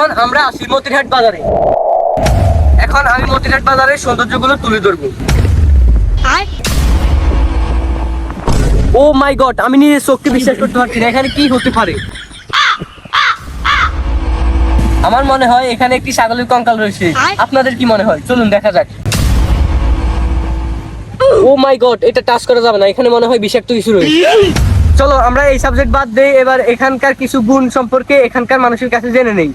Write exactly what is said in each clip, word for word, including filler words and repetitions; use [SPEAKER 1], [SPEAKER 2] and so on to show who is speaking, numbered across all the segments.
[SPEAKER 1] এখন আমরা আসি মতিরহাট বাজারে। এখন আমি মতিরহাট বাজারের সৌন্দর্যগুলো তুলে ধরবো। ও মাই গড, আমি নিজের চোখকে বিশ্বাস করতে পারছি না, এখানে কি হতে পারে। আমার মনে হয় এখানে একটি ছাগলের কঙ্কাল রয়েছে। আপনাদের কি মনে হয়? চলুন দেখা যাক। ও মাই গড, এটা টাচ করা যাবে না, এখানে মনে হয় বিষাক্ত কিছু রয়েছে। চলো আমরা এই সাবজেক্ট বাদ দেই, এবার এখানকার কিছু গুণ সম্পর্কে এখানকার মানুষের কাছে জেনে নেই।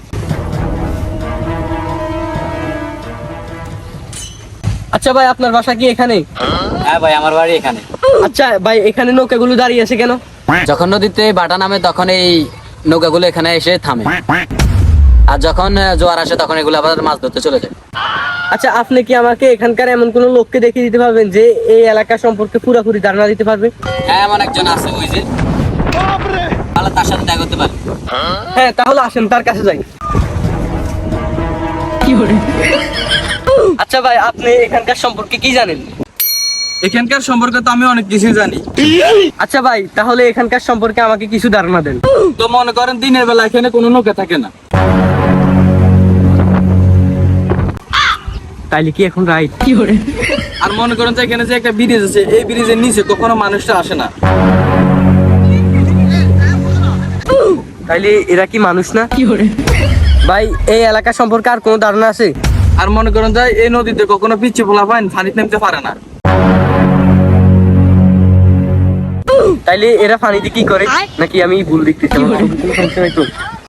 [SPEAKER 1] আচ্ছা ভাই, আপনার বাসা কি এখানে?
[SPEAKER 2] হ্যাঁ ভাই, আমার বাড়ি এখানে।
[SPEAKER 1] আচ্ছা ভাই, এখানে নৌকাগুলো দাঁড়িয়ে আছে কেন?
[SPEAKER 2] যখন নদীতে বাটা নামে তখন এই নৌকাগুলো এখানে এসে থামে, আর যখন জোয়ার আসে তখন এগুলো আবার মাছ ধরতে চলে যায়।
[SPEAKER 1] আচ্ছা, আপনি কি আমাকে এখানকার এমন কোন লোককে দেখিয়ে দিতে পারবেন যে এই এলাকা সম্পর্কে পুরোপুরি ধারণা দিতে পারবে?
[SPEAKER 2] হ্যাঁ, এমন একজন আছে, ওই যে, তাহলে তার সাথে দেখা করতে পারি।
[SPEAKER 1] হ্যাঁ, তাহলে আসেন তার কাছে যাই। আচ্ছা ভাই, আপনি এখানকার সম্পর্কে কি জানেন?
[SPEAKER 3] এখানকার সম্পর্কে তো আমি অনেক কিছু জানি।
[SPEAKER 1] আচ্ছা ভাই, তাহলে এখানকার সম্পর্কে আমাকে কিছু ধারণা দেন।
[SPEAKER 3] তো মনে করেন দিনের বেলা এখানে কোনো নৌকা থাকে না।
[SPEAKER 1] তাইলে কি এখন রাইট?
[SPEAKER 3] আর মনে করেন যে এখানে যে একটা ব্রিজ আছে, এই ব্রিজের নিচে কখনো মানুষটা আসে না।
[SPEAKER 1] তাইলে এরা কি মানুষ না? ভাই, এই এলাকা সম্পর্কে আর কোনো ধারণা আছে?
[SPEAKER 3] আর মনে করেন যে এই নদীতে কখনো পিচ্ছি ফোলা পান পানিতে নামতে পারে না।
[SPEAKER 1] তাইলে এরা পানিতে কি করে? নাকি আমি ভুল দেখতেছি?